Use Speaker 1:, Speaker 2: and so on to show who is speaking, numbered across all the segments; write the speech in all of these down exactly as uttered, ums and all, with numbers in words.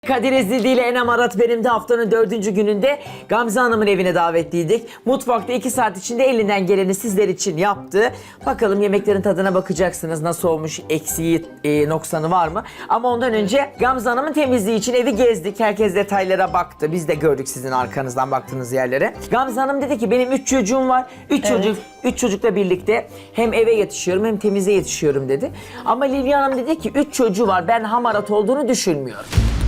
Speaker 1: Kadir Ezildi ile Enem Arat benim de haftanın dördüncü gününde Gamze Hanım'ın evine davetliydik. Mutfakta iki saat içinde elinden geleni sizler için yaptı. Bakalım yemeklerin tadına bakacaksınız. Nasıl olmuş, eksiği, e, noksanı var mı? Ama ondan önce Gamze Hanım'ın temizliği için evi gezdik. Herkes detaylara baktı. Biz de gördük sizin arkanızdan baktığınız yerlere. Gamze Hanım dedi ki benim üç çocuğum var. Üç
Speaker 2: Evet.
Speaker 1: çocuk, üç çocukla birlikte hem eve yetişiyorum hem temize yetişiyorum dedi. Ama Lilya Hanım dedi ki üç çocuğu var. Ben hamarat olduğunu düşünmüyorum.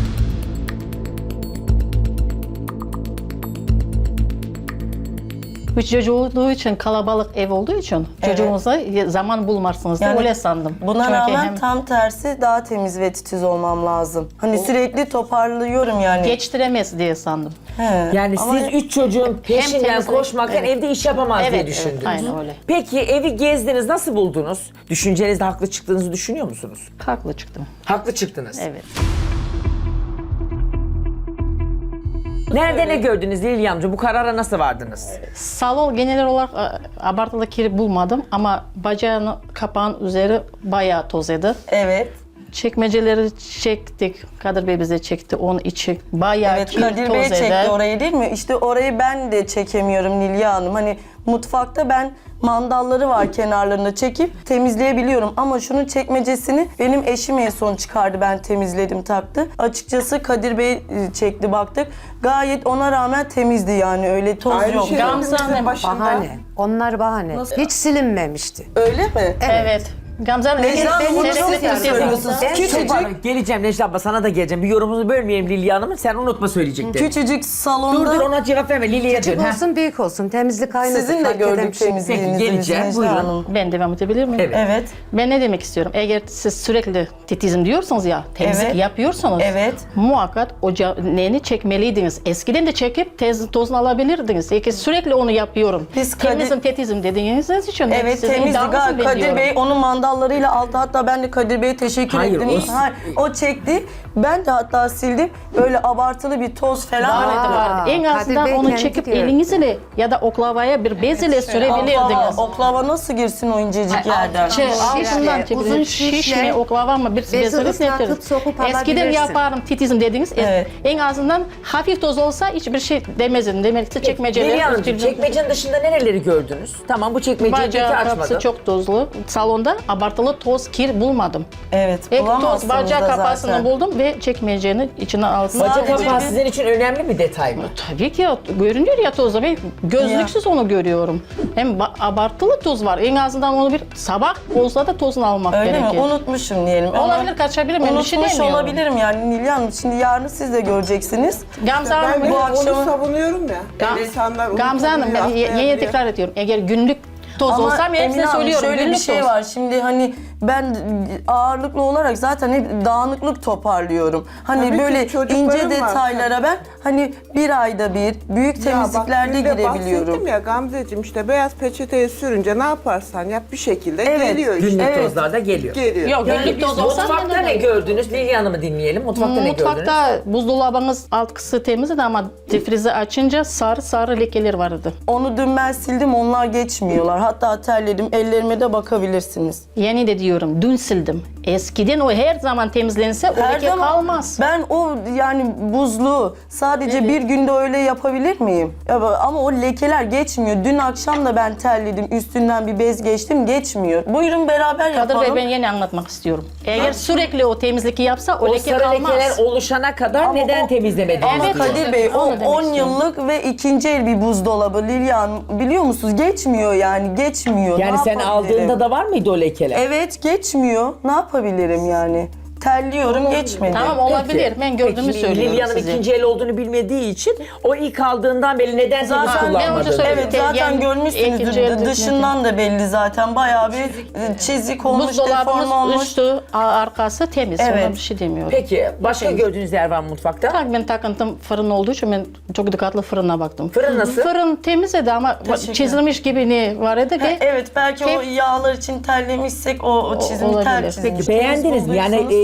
Speaker 3: Üç çocuğu olduğu için, kalabalık ev olduğu için
Speaker 2: Evet.
Speaker 3: çocuğunuza zaman bulmazsınız da
Speaker 2: Yani
Speaker 3: öyle sandım.
Speaker 2: Buna
Speaker 3: Çünkü
Speaker 2: rağmen
Speaker 3: hem
Speaker 2: tam tersi daha temiz ve titiz olmam lazım. Hani sürekli toparlıyorum yani.
Speaker 3: geçtiremez diye sandım.
Speaker 2: He.
Speaker 1: Yani
Speaker 2: Ama
Speaker 1: siz üç çocuğun peşinden
Speaker 3: temizlik,
Speaker 1: koşmaktan
Speaker 3: evet.
Speaker 1: evde iş yapamaz diye
Speaker 3: Evet,
Speaker 1: düşündünüz.
Speaker 3: evet, aynen öyle.
Speaker 1: Peki evi gezdiniz, nasıl buldunuz? Düşüncenizde haklı çıktığınızı düşünüyor musunuz?
Speaker 3: Haklı çıktım.
Speaker 1: Haklı çıktınız.
Speaker 3: Evet.
Speaker 1: Nerede ne gördünüz Lilya amca? Bu karara nasıl vardınız?
Speaker 3: Salon genel olarak e, abartılı kiri bulmadım ama bacağın kapağın üzeri bayağı tozladı.
Speaker 2: evet.
Speaker 3: Çekmeceleri çektik. Kadir Bey bize çekti. Onun içi bayağı
Speaker 2: Evet,
Speaker 3: kir
Speaker 2: Kadir Bey
Speaker 3: tozladı.
Speaker 2: çekti orayı değil mi? İşte orayı ben de çekemiyorum Nilya Hanım. Hani mutfakta ben mandalları var kenarlarında çekip temizleyebiliyorum. Ama şunun çekmecesini benim eşim en son çıkardı. Ben temizledim taktı. Açıkçası Kadir Bey e, çekti baktık. Gayet ona rağmen temizdi yani öyle toz
Speaker 4: Aynı
Speaker 2: yok.
Speaker 4: şey
Speaker 3: Gamze
Speaker 4: hepimizin
Speaker 3: Hanım,
Speaker 4: başında.
Speaker 5: Bahane. Onlar bahane. Hiç silinmemişti.
Speaker 2: Öyle mi?
Speaker 3: Evet. Gamze Hanım,
Speaker 2: Necla Hanım,
Speaker 3: ben-
Speaker 2: bunu
Speaker 3: ben-
Speaker 2: siz
Speaker 3: ben-
Speaker 2: mi söylüyorsunuz?
Speaker 3: ben-
Speaker 2: Küçücük-
Speaker 1: Çok- Geleceğim Necla abla, sana da geleceğim. Bir yorumunuzu bölmeyelim Lilya Hanım'ın. Sen unutma söyleyeceklerini.
Speaker 2: Küçücük salonda
Speaker 1: Dur dur, ona cevap verme. Lilya'ya dön.
Speaker 5: Küçük
Speaker 1: ha.
Speaker 5: olsun büyük olsun temizlik aynıdır.
Speaker 2: sizin de
Speaker 5: fark eden
Speaker 2: gördük
Speaker 5: bir şey.
Speaker 2: temizliğinizi.
Speaker 1: Peki, geleceğim.
Speaker 2: Necla
Speaker 1: Buyurun.
Speaker 2: Hanım.
Speaker 3: Ben devam edebilir miyim?
Speaker 1: Evet.
Speaker 2: Evet.
Speaker 3: Ben ne demek istiyorum? Eğer siz sürekli titizim diyorsanız ya, temizlik
Speaker 2: Evet.
Speaker 3: yapıyorsanız
Speaker 2: Evet.
Speaker 3: muhakkak o neni çekmeliydiniz. Eskiden de çekip tez, tozunu alabilirdiniz. Peki sürekli onu yapıyorum.
Speaker 2: Biz Kadir-
Speaker 3: Temizim, titizim dediğiniz için
Speaker 2: Evet,
Speaker 3: sizin
Speaker 2: temizdi.
Speaker 3: iddianızı
Speaker 2: Gal- Kadir
Speaker 3: biliyorum.
Speaker 2: Bey onun mandallarıyla aldı. Hatta ben de Kadir Bey'e teşekkür
Speaker 1: Hayır,
Speaker 2: ettim.
Speaker 1: o-
Speaker 2: Hayır, o çekti. Ben de hatta sildim. Böyle abartılı bir toz falan.
Speaker 3: Vardı,
Speaker 5: Aa,
Speaker 3: vardı. En
Speaker 5: Kadir
Speaker 3: azından
Speaker 5: Bey
Speaker 3: onu
Speaker 5: kendi
Speaker 3: çekip
Speaker 5: diyor.
Speaker 3: elinizle ya da oklavaya bir bez ile
Speaker 2: Oklava,
Speaker 3: sürebilirdiniz.
Speaker 2: oklava nasıl girsin o incecik yerden?
Speaker 3: Şey, altından
Speaker 5: şişle,
Speaker 3: çekilir.
Speaker 5: uzun
Speaker 3: Şiş
Speaker 5: şişle,
Speaker 3: mi, oklava mı bir
Speaker 5: bezi
Speaker 3: bezini
Speaker 5: ıslatıp
Speaker 3: getirin.
Speaker 5: sokup
Speaker 3: Eskiden
Speaker 5: alabilirsin.
Speaker 3: yaparım titizim dediniz. Es-
Speaker 2: Evet.
Speaker 3: En azından hafif toz olsa hiçbir şey demezdin. Demek ki çekmeceler.
Speaker 1: Lilya Hanımcığım, çekmecenin dışında nereleri gördünüz? Tamam, bu çekmeceyi peki
Speaker 3: Bacağı kapısı
Speaker 1: açmadım.
Speaker 3: çok tozlu. Salonda abartılı toz, kir bulmadım.
Speaker 2: Evet,
Speaker 3: Hep toz
Speaker 2: bulamazsınız
Speaker 3: bacağı
Speaker 2: da
Speaker 3: kapağını
Speaker 2: zaten.
Speaker 3: buldum ve çekmecenin içine aldım.
Speaker 1: Bacak
Speaker 2: Sadece
Speaker 1: kapağı
Speaker 2: bir-
Speaker 1: sizin için önemli bir detay mı?
Speaker 3: Tabii ki ya, görünüyor ya tozda. Ben gözlüksüz onu görüyorum. Hem ba- abartılı toz var. En azından onu bir sabah olsa da tozunu almak
Speaker 2: Öyle
Speaker 3: gerekir.
Speaker 2: mi? Unutmuşum diyelim. Ama
Speaker 3: Olabilir, kaçabilir miyim? Bir şey
Speaker 2: Unutmuş
Speaker 3: demiyorum.
Speaker 2: olabilirim yani Nilya Hanım. Şimdi yarın siz de göreceksiniz.
Speaker 3: Gamze
Speaker 4: Ben
Speaker 3: Hanım,
Speaker 4: de
Speaker 2: bu
Speaker 4: onu
Speaker 2: akşamı-
Speaker 4: savunuyorum ya.
Speaker 3: Gam-
Speaker 4: İnsanlar
Speaker 3: Gamze Hanım, ben
Speaker 4: unutabiliyor,
Speaker 3: ye- yine
Speaker 4: atlayabiliyor.
Speaker 3: tekrar ediyorum. Eğer günlük toz
Speaker 2: Ama
Speaker 3: olsam
Speaker 2: Emine
Speaker 3: hepsine
Speaker 2: Hanım,
Speaker 3: söylüyorum.
Speaker 2: şöyle bir
Speaker 3: günlük
Speaker 2: şey
Speaker 3: toz.
Speaker 2: var. Şimdi hani ben ağırlıklı olarak zaten hep dağınıklık toparlıyorum. Hani
Speaker 4: Tabii ki
Speaker 2: böyle
Speaker 4: çocuklarım
Speaker 2: ince
Speaker 4: var.
Speaker 2: detaylara ben hani bir ayda bir büyük
Speaker 4: Ya
Speaker 2: temizliklerde
Speaker 4: bak, dün de
Speaker 2: girebiliyorum.
Speaker 4: bahsettim ya Gamzeciğim, işte beyaz peçeteye sürünce ne yaparsan yap bir şekilde
Speaker 2: Evet,
Speaker 4: geliyor işte.
Speaker 1: Günlük
Speaker 2: Evet.
Speaker 1: tozlar da geliyor.
Speaker 4: Geliyor.
Speaker 3: Yok, günlük toz olsa
Speaker 1: Mutfakta ne gördünüz? Lilya Hanım'ı dinleyelim. Mutfakta ne gördünüz?
Speaker 3: Mutfakta buzdolabınız alt kısmı temizdi ama difrizi açınca sarı sarı lekeler vardı.
Speaker 2: Onu dün ben sildim, onlar geçmiyorlar. Hatta terledim, ellerime de bakabilirsiniz.
Speaker 3: Yeni de diyorum, dün sildim. Eskiden o her zaman temizlense o
Speaker 2: Her
Speaker 3: leke
Speaker 2: zaman
Speaker 3: kalmaz.
Speaker 2: ben o yani buzlu sadece bir günde öyle yapabilir miyim? Ya ba- ama o lekeler geçmiyor. Dün akşam da ben terledim, üstünden bir bez geçtim, geçmiyor. Buyurun beraber
Speaker 3: Kadir
Speaker 2: yapalım.
Speaker 3: Bey, ben yeni anlatmak istiyorum. Eğer sürekli o temizlik yapsa o,
Speaker 1: O
Speaker 3: leke
Speaker 1: sarı
Speaker 3: kalmaz.
Speaker 1: lekeler oluşana kadar
Speaker 2: Ama
Speaker 1: neden
Speaker 2: o-
Speaker 1: temizlemediniz?
Speaker 2: Ama
Speaker 3: Evet,
Speaker 1: diyor.
Speaker 2: Kadir Bey, o
Speaker 3: onu demek
Speaker 2: on
Speaker 3: istiyorum.
Speaker 2: yıllık ve ikinci el bir buzdolabı Lilya Hanım, biliyor musunuz? Geçmiyor yani, geçmiyor.
Speaker 1: Yani
Speaker 2: Ne
Speaker 1: sen
Speaker 2: yapabilirim?
Speaker 1: aldığında da var mıydı o lekeler?
Speaker 2: Evet, geçmiyor. Ne yapabilirim yani? Terliyorum, geçmedi.
Speaker 3: Tamam, olabilir. Ben gördüğümü
Speaker 1: Peki,
Speaker 3: söylüyorum
Speaker 1: Lilya Hanım
Speaker 3: size.
Speaker 1: ikinci el olduğunu bilmediği için o ilk aldığından beri neden temiz
Speaker 2: Zaten
Speaker 3: ben
Speaker 1: kullanmadı?
Speaker 3: önce söyledim.
Speaker 2: Evet, zaten
Speaker 3: Yani
Speaker 2: görmüşsünüzdür.
Speaker 3: ikinci elde
Speaker 2: Dışından da belli zaten. Bayağı bir e, çizik olmuş, deform
Speaker 3: Buzdolabımız
Speaker 2: olmuş.
Speaker 3: üstü, a- arkası temiz.
Speaker 2: Evet.
Speaker 3: Ona bir şey demiyorum.
Speaker 1: Peki başka gördüğünüz yer var mı mutfakta?
Speaker 3: Tak, ben takıntım fırın olduğu için ben çok dikkatli fırına baktım.
Speaker 1: Fırın nasıl?
Speaker 3: Fırın temizdi ama
Speaker 2: Teşekkür
Speaker 3: çizilmiş gibi ne var idi ki?
Speaker 2: Evet, belki o
Speaker 3: Hep-
Speaker 2: yağlar için terlemişsek o, o çizimi
Speaker 3: olabilir.
Speaker 2: ter
Speaker 3: Peki,
Speaker 2: çizmiş.
Speaker 1: Peki beğendiniz mi? Yani e,
Speaker 2: Bulduysanız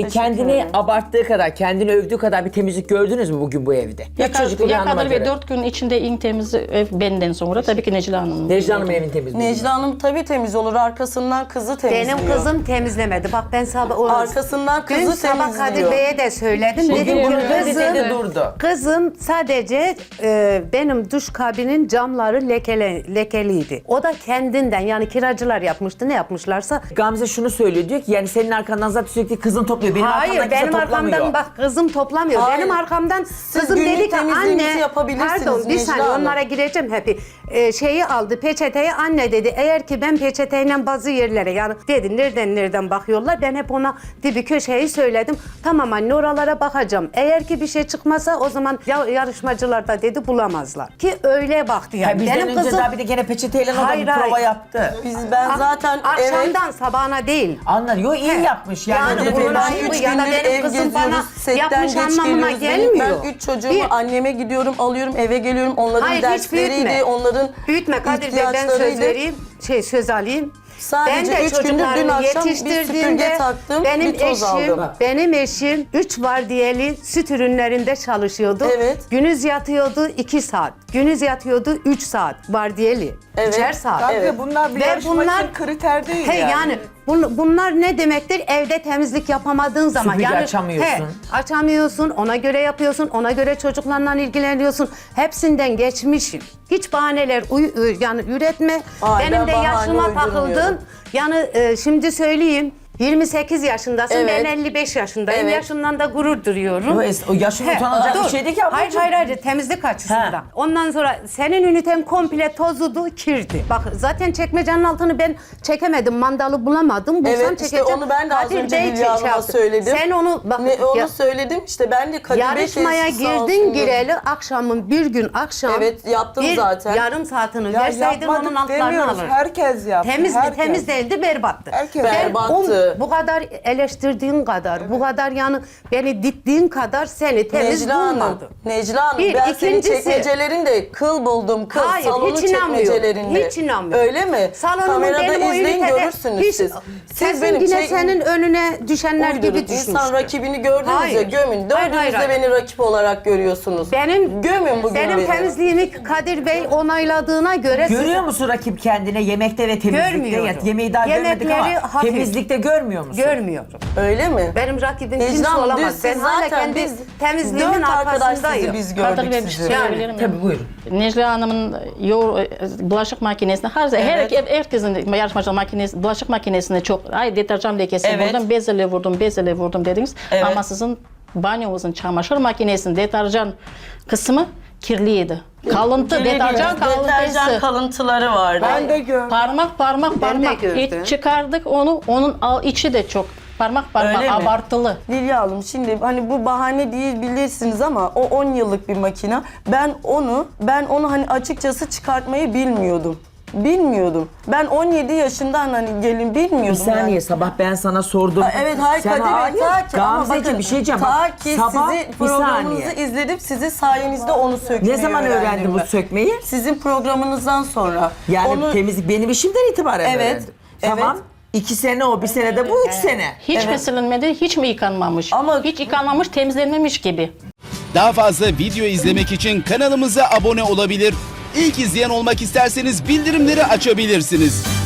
Speaker 1: kendini
Speaker 2: ederim.
Speaker 1: abarttığı kadar, kendini övdüğü kadar bir temizlik gördünüz mü bugün bu evde? Üç çocuklu bir hanıma
Speaker 3: Yakadır ve
Speaker 1: göre.
Speaker 3: dört gün içinde en temiz ev benden sonra tabii ki Necla Hanım.
Speaker 1: Necla Hanım'ın evin temiz mi?
Speaker 2: Necla Hanım tabii temiz olur. Arkasından kızı temizliyor.
Speaker 5: Benim kızım temizlemedi. Bak ben sabah... o-
Speaker 2: Arkasından kızı
Speaker 5: Dün sabah
Speaker 2: temizliyor.
Speaker 5: Kadir Bey'e de söyledim.
Speaker 3: Şey
Speaker 5: Dedim
Speaker 3: diyor,
Speaker 5: ki
Speaker 3: dedi,
Speaker 5: kızım,
Speaker 1: dedi, durdu.
Speaker 5: kızım sadece e, benim duş kabinin camları lekele, lekeliydi. O da kendinden, yani kiracılar yapmıştı, ne yapmışlarsa.
Speaker 1: Gamze şunu söylüyor, diyor ki yani senin arkandan zaten sürekli kızın topluyor. Benim
Speaker 5: Hayır,
Speaker 1: arkamdan kimse
Speaker 5: benim
Speaker 1: toplamıyor.
Speaker 5: arkamdan bak kızım toplamıyor.
Speaker 2: Hayır.
Speaker 5: Benim arkamdan kızım
Speaker 2: günlük
Speaker 5: dedi ki
Speaker 2: temizliğinizi
Speaker 5: anne,
Speaker 2: yapabilirsiniz
Speaker 5: pardon bir
Speaker 2: Necla
Speaker 5: saniye
Speaker 2: Hanım.
Speaker 5: onlara gireceğim hep. Ee, şeyi aldı peçeteyi, anne dedi eğer ki ben peçeteyle bazı yerlere, yani dedi nereden nereden bakıyorlar, ben hep ona dibi köşeyi söyledim. Tamam anne oralara bakacağım. Eğer ki bir şey çıkmasa o zaman ya, yarışmacılar da dedi bulamazlar. Ki öyle baktı yani.
Speaker 1: Ha, bizden
Speaker 5: Benim
Speaker 1: önce
Speaker 5: kızım
Speaker 1: daha bir de gene peçeteyle o da
Speaker 5: Hayır,
Speaker 1: bir prova
Speaker 5: hayır.
Speaker 1: yaptı.
Speaker 2: Biz ben zaten evet.
Speaker 5: akşamdan sabahına değil.
Speaker 1: Anlar, yo iyi
Speaker 5: He.
Speaker 1: yapmış yani.
Speaker 5: Yani
Speaker 1: Öyle
Speaker 5: bunun
Speaker 1: bir-
Speaker 2: Ben
Speaker 5: ayıbı
Speaker 2: üç
Speaker 5: ya da
Speaker 2: gündür
Speaker 5: benim
Speaker 2: ev
Speaker 5: kızım bana
Speaker 2: geziyoruz, setten
Speaker 5: yapmış
Speaker 2: geç
Speaker 5: anlamına
Speaker 2: geliyoruz.
Speaker 5: gelmiyor.
Speaker 2: Ben üç çocuğumu
Speaker 5: Bir-
Speaker 2: anneme gidiyorum, alıyorum, eve geliyorum. Onların
Speaker 5: Hayır hiç
Speaker 2: dersleriydi,
Speaker 5: büyütme.
Speaker 2: onların
Speaker 5: Büyütme Kadir Bey, ben söz
Speaker 2: ihtiyaçlarıydı.
Speaker 5: vereyim. Şey söz alayım.
Speaker 2: Sadece
Speaker 5: ben de
Speaker 2: üç gündür dün
Speaker 5: çocuklarımı
Speaker 2: akşam bir
Speaker 5: yetiştirdiğimde
Speaker 2: süpürge taktım,
Speaker 5: benim
Speaker 2: bir toz
Speaker 5: eşim,
Speaker 2: aldım.
Speaker 5: benim eşim üç vardiyeli süt ürünlerinde çalışıyordu.
Speaker 2: Evet.
Speaker 5: Günüz yatıyordu iki saat. Günüz yatıyordu üç saat vardiyeli.
Speaker 2: Evet.
Speaker 5: Üçer saat.
Speaker 4: Gamze
Speaker 2: Evet.
Speaker 4: bunlar bir
Speaker 5: Ve
Speaker 4: yarışma
Speaker 5: bunlar-
Speaker 4: için kriter değil
Speaker 5: He,
Speaker 4: yani.
Speaker 5: yani bun- bunlar ne demektir? Evde temizlik yapamadığın zaman.
Speaker 1: Süpürge
Speaker 5: yani,
Speaker 1: açamıyorsun.
Speaker 5: He, açamıyorsun, ona göre yapıyorsun, ona göre çocuklarla ilgileniyorsun. Hepsinden geçmişim. Hiç bahaneler uy- ü- yani üretme.
Speaker 2: Ay,
Speaker 5: Benim
Speaker 2: ben
Speaker 5: de
Speaker 2: bahane
Speaker 5: yaşıma
Speaker 2: uydurmuyorum.
Speaker 5: takıldın. Yani e, şimdi söyleyeyim. yirmi sekiz yaşındasın,
Speaker 2: Evet.
Speaker 5: ben elli beş yaşındayım.
Speaker 2: Evet.
Speaker 5: Yaşımdan da gurur duyuyorum.
Speaker 1: Yo, es- o yaşın
Speaker 5: He,
Speaker 1: utanılacak bir
Speaker 5: dur.
Speaker 1: şey değil ki
Speaker 5: Hayır
Speaker 1: ablacığım.
Speaker 5: hayır hayır, temizlik açısından.
Speaker 1: He.
Speaker 5: Ondan sonra senin üniten komple tozudu, kirdi. Bak zaten çekmecenin altını ben çekemedim, mandalı bulamadım. Bulsam
Speaker 2: Evet işte
Speaker 5: çekeceğim.
Speaker 2: onu ben de az
Speaker 5: Kadir
Speaker 2: önce
Speaker 5: Bey
Speaker 2: Hülya
Speaker 5: şey
Speaker 2: Hanım'a
Speaker 5: yaptı.
Speaker 2: söyledim.
Speaker 5: Sen onu bak
Speaker 2: Ne, onu
Speaker 5: ya-
Speaker 2: söyledim işte ben de Kadir Bey
Speaker 5: yarışmaya
Speaker 2: teyzesi sağ
Speaker 5: girdin
Speaker 2: olsun
Speaker 5: gireli akşamın bir gün akşam.
Speaker 2: Evet, yaptım
Speaker 5: bir
Speaker 2: zaten.
Speaker 5: yarım saatini
Speaker 4: Ya
Speaker 5: verseydin
Speaker 4: yapmadık
Speaker 5: onun altlarını
Speaker 4: demiyoruz.
Speaker 5: alırdın.
Speaker 4: Herkes yaptı.
Speaker 5: Temiz
Speaker 4: herkes.
Speaker 5: temiz değildi, berbattı.
Speaker 4: Herkes
Speaker 5: Ben
Speaker 2: berbattı.
Speaker 5: o- bu kadar eleştirdiğin kadar, bu kadar yani beni dittiğin kadar seni temiz
Speaker 2: Necla Hanım,
Speaker 5: bulmadım.
Speaker 2: Necla Hanım
Speaker 5: Bir,
Speaker 2: ben senin
Speaker 5: ikincisi-
Speaker 2: çekmecelerinde kıl buldum, kıl
Speaker 5: Hayır,
Speaker 2: salonun
Speaker 5: hiç inanmıyorum.
Speaker 2: çekmecelerinde.
Speaker 5: Hiç inanmıyorum.
Speaker 2: Öyle mi?
Speaker 5: Salonumun
Speaker 2: Kamerada
Speaker 5: benim o
Speaker 2: izleyin
Speaker 5: ünitede
Speaker 2: görürsünüz
Speaker 5: hiç-
Speaker 2: siz.
Speaker 5: Sesin
Speaker 2: Siz benim
Speaker 5: yine
Speaker 2: çek-
Speaker 5: senin önüne düşenler
Speaker 2: Uydurun.
Speaker 5: gibi düşmüştür.
Speaker 2: İnsan rakibini gördüğünüzde
Speaker 5: Hayır.
Speaker 2: gömün.
Speaker 5: Hayır, hayır,
Speaker 2: Dördünüz de
Speaker 5: hayır.
Speaker 2: beni rakip olarak görüyorsunuz.
Speaker 5: Benim
Speaker 2: Gömün bugün
Speaker 5: benim
Speaker 2: beni.
Speaker 5: temizliğimi Kadir Bey onayladığına göre
Speaker 1: Görüyor musun rakip kendine yemekte ve temizlikte?
Speaker 5: Görmüyorum.
Speaker 1: Ya, yemeği daha görmedik
Speaker 5: Yemekleri
Speaker 1: ama
Speaker 5: hafif.
Speaker 1: temizlikte görmüyor musun?
Speaker 5: görmüyorum.
Speaker 2: Öyle mi?
Speaker 5: Benim rakibim
Speaker 2: Necla
Speaker 5: kimse
Speaker 2: Hanım,
Speaker 5: olamaz.
Speaker 2: dün
Speaker 5: Ben
Speaker 2: siz
Speaker 5: hala
Speaker 2: zaten
Speaker 5: kendi
Speaker 2: biz
Speaker 5: temizliğimin
Speaker 2: dört arkadaş sizi
Speaker 5: arkasındayım.
Speaker 2: biz
Speaker 3: Kadir
Speaker 2: gördük
Speaker 3: Bey bir şey
Speaker 2: sizi.
Speaker 3: söyleyebilir miyim?
Speaker 1: Tabii buyurun.
Speaker 3: Necla Hanım'ın yoğur, bulaşık makinesine, her,
Speaker 2: Evet.
Speaker 3: her herkesin yarışmacı makinesi, bulaşık makinesine çok, ay deterjan lekesi
Speaker 2: Evet.
Speaker 3: vurdum, bezele vurdum, bezele vurdum dediniz.
Speaker 2: Evet.
Speaker 3: Ama sizin banyomuzun çamaşır makinesinin deterjan kısmı kirliydi. Kalıntı, deterjan
Speaker 2: Deterjan
Speaker 3: kalıntısı.
Speaker 2: kalıntıları vardı.
Speaker 4: Ben de gör.
Speaker 3: Parmak parmak
Speaker 5: Ben de
Speaker 3: parmak.
Speaker 5: gördüm.
Speaker 3: Hiç çıkardık onu, onun al- içi de çok parmak parmak
Speaker 2: Öyle mi?
Speaker 3: abartılı.
Speaker 2: Lilya Hanım şimdi hani bu bahane değil bilirsiniz ama o on yıllık bir makine. Ben onu ben onu hani açıkçası çıkartmayı bilmiyordum. Bilmiyordum. Ben on yedi yaşından hani gelin bilmiyordum.
Speaker 1: Bir saniye
Speaker 2: yani.
Speaker 1: sabah ben sana sordum.
Speaker 2: Ha, evet hayır
Speaker 1: Sen
Speaker 2: Kadir Bey
Speaker 1: hayır.
Speaker 2: ta ki ama
Speaker 1: Gamzeciğim
Speaker 2: bakın
Speaker 1: bir şey diyeceğim.
Speaker 2: ta
Speaker 1: Bak,
Speaker 2: ki
Speaker 1: sabah
Speaker 2: sizi
Speaker 1: bir
Speaker 2: programınızı
Speaker 1: saniye.
Speaker 2: izledim sizi sayenizde onu sökmeyi
Speaker 1: Ne zaman öğrendin bu
Speaker 2: ben.
Speaker 1: sökmeyi?
Speaker 2: Sizin programınızdan sonra.
Speaker 1: Yani
Speaker 2: onu,
Speaker 1: temizlik benim işimden itibaren
Speaker 2: Evet,
Speaker 1: öğrendim. Tamam.
Speaker 2: evet.
Speaker 1: İki sene o, bir sene de bu, üç sene.
Speaker 3: Hiç mi silinmedi, hiç mi yıkanmamış?
Speaker 2: Ama-
Speaker 3: hiç yıkanmamış, temizlenmemiş gibi.
Speaker 6: Daha fazla video izlemek için kanalımıza abone olabilir. İlk izleyen olmak isterseniz bildirimleri açabilirsiniz.